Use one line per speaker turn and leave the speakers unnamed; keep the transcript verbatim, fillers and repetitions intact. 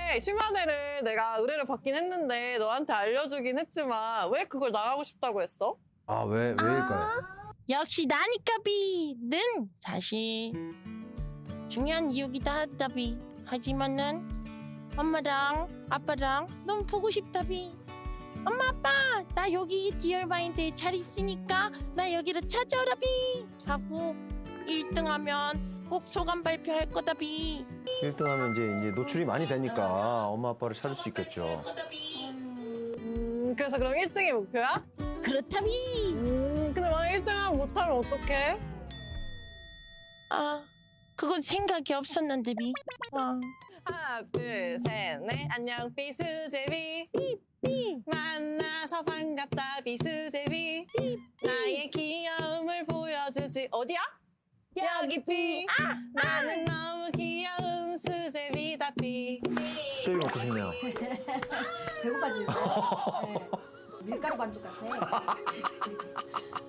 근데 심화대를 내가 의뢰를 받긴 했는데 너한테 알려주긴 했지만 왜 그걸 나가고 싶다고 했어?
아, 왜, 왜일까요?
역시 나니까비는 사실 중요한 이유기도 하다비. 하지만은 엄마랑 아빠랑 너무 보고 싶다비. 엄마 아빠 나 여기 디얼마인드에 잘 있으니까 나 여기로 찾아오라비 하고 일 등 하면 꼭 소감 발표할 거다비.
일 등 하면 이제, 이제 노출이 많이 되니까 엄마 아빠를 찾을 수 있겠죠.
음, 그래서 그럼 일 등이 목표야?
그렇다비.
음, 근데 만약 일 등 하면 못하면 어떡해?
아 그건 생각이 없었는데비. 아.
하나, 둘, 셋, 넷. 안녕, 비수제비. 만나서 반갑다, 비수제비. 나의 귀여움을 보여주지. 어디야? 여기 비. 나는 너무 귀여운 수제비다, 비.
수육이 먹고 싶네요.
배고파지고. 네. 밀가루 반죽 같아.